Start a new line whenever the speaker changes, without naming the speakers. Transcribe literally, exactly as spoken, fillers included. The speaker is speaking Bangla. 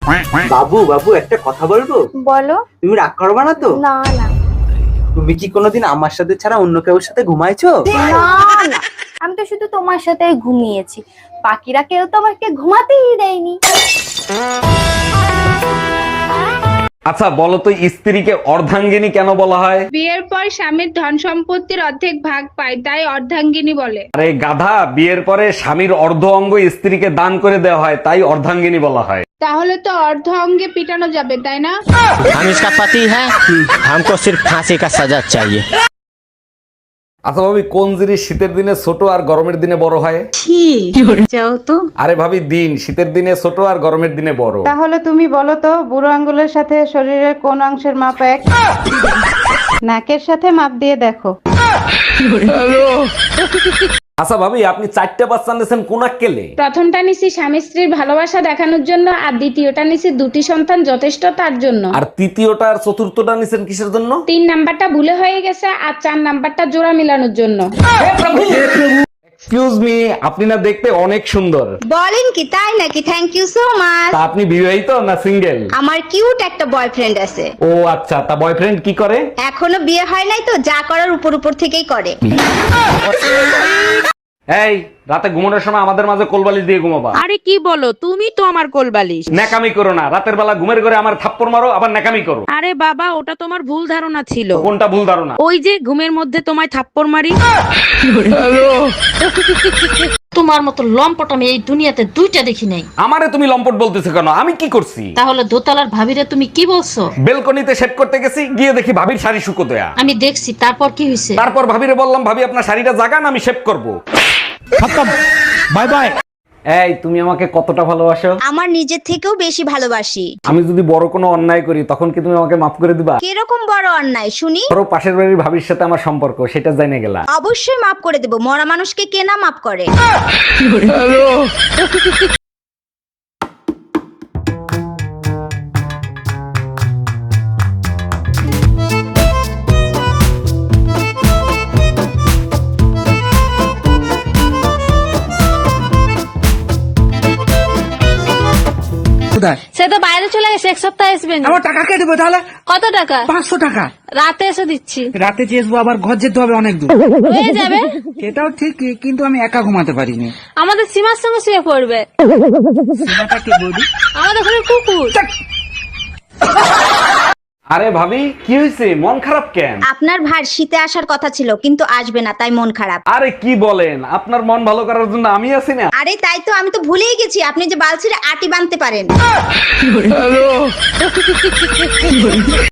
বাবু বাবু একটা কথা বলবো?
বলো।
তুমি রাগ করবে না তো?
না না
তুমি কি কোনোদিন আমার সাথে ছাড়া অন্য কারোর সাথে ঘুমাইছো?
না না, আমি তো শুধু তোমার সাথেই ঘুমিয়েছি, বাকিরা কেউ তো আমাকে ঘুমাতেই দেয়নি।
আচ্ছা বলো তো, স্ত্রীকে অর্ধাঙ্গিনী কেন বলা হয়?
বিয়ের পর স্বামীর ধন সম্পত্তির অর্ধেক ভাগ পায়, তাই অর্ধাঙ্গিনী বলে।
আরে গাধা, বিয়ের পরে স্বামীর অর্ধ অঙ্গ স্ত্রীকে দান করে দেওয়া হয়, তাই অর্ধাঙ্গিনী বলা হয়।
তাহলে তো অর্ধ অঙ্গে পিটানো যাবে, তাই না?
हम इसका पति है, हमको सिर्फ फांसी का सजा चाहिए।
আচ্ছা ভাবি, কোন জিনিস শীতের দিনে ছোট আর গরমের দিনে বড় হয়?
যাও তো।
আরে ভাবি, দিন শীতের দিনে ছোট আর গরমের দিনে বড়।
তাহলে তুমি বলো তো, বুড়ো আঙ্গুলের সাথে শরীরের কোন অংশের মাপ এক? নাকের সাথে মাপ দিয়ে দেখো।
আচ্ছা ভাবি, আপনি চারটা বাচ্চা নিয়েছেন কোন আক্কেলে?
প্রথমটা নিছি স্বামী স্ত্রীর ভালোবাসা দেখানোর জন্য, আর দ্বিতীয়টা নিছি দুটি সন্তান যথেষ্ট তার জন্য।
আর তৃতীয়টা আর চতুর্থটা নিছেন কিসের জন্য?
তিন নাম্বারটা ভুলে হয়ে গেছে, আর চার নাম্বারটা জোড়া মিলানোর জন্য।
এক্সকিউজ মি, আপনি না দেখতে অনেক সুন্দর।
বলেন কি, তাই নাকি? Thank you so much.
তা আপনি বিবাহিত না সিঙ্গেল?
আমার কিউট একটা বয়ফ্রেন্ড আছে।
ও আচ্ছা, তা বয়ফ্রেন্ড কি করে?
এখনো বিয়ে হয় নাই তো, যা করার উপর উপর থেকেই করে।
এই রাতে ঘুমানোর সময় আমাদের মাঝে কোলবালিশ দিয়ে ঘুমাবা।
আরে কি বলো, তুমি তো আমার কোলবালিশ।
ন্যাকামি করো না, রাতের বেলা ঘুমের ঘরে আমার থাপ্পড় মারো, আবার ন্যাকামি করো।
আরে বাবা, ওটা তোমার ভুল ধারণা ছিল।
কোনটা ভুল ধারণা?
ওই যে ঘুমের মধ্যে তোমায় থাপ্পড় মারি।
তোমার মতো লম্পট আমি এই দুনিয়াতে দুইটা দেখি নাই।
আমারে তুমি লম্পট বলতেছো কেন? আমি কি করছি?
তাহলে দোতলার ভাবিরে তুমি কি বলছো?
বেলকনিতে সেট করতে গেছি, গিয়ে দেখি ভাবির শাড়ি শুকোতয়া।
আমি দেখছি, তারপর কি হয়েছে?
তারপর ভাবিরে বললাম, ভাবি আপনার শাড়িটা জাগান, আমি শেভ করব। Bye bye. এই তুমি আমাকে কতটা ভালোবাসো?
আমার নিজের থেকেও বেশি ভালোবাসি।
আমি যদি বড় কোনো অন্যায় করি, তখন কি তুমি আমাকে মাফ করে দিবা?
কিরকম বড় অন্যায় শুনি?
ধরো পাশের বাড়ির ভাবির সাথে আমার সম্পর্ক, সেটা জেনে গেলা।
অবশ্যই মাফ করে দেব, মরা মানুষকে কে না মাফ করে?
সে তো বাইরে চলে গেছে, এক সপ্তাহ আসবে না।
আমার টাকা কে দেবো তাহলে?
কত টাকা?
পাঁচশো টাকা।
রাতে এসে দিচ্ছি।
রাতে চেয়েছবো, আবার ঘর যেতে হবে অনেক দূর।
হয়ে যাবে।
সেটাও ঠিক, কিন্তু আমি একা ঘুমাতে পারিনি।
আমাদের সীমার সঙ্গে শুয়ে পড়বে।
সীমাটা কে বৌদি?
আমাদের ঘরে কুকুর।
আরে ভাবি, কি হয়েছে? মন খারাপ কেন?
আপনার ভার শীতে আসার কথা ছিল, কিন্তু আসবে না, তাই মন খারাপ।
আরে কি বলেন, আপনার মন ভালো করার জন্য আমি আছি না।
আরে তাই তো, আমি তো ভুলেই গেছি আপনি যে বালছিরে আটি বাঁধতে পারেন।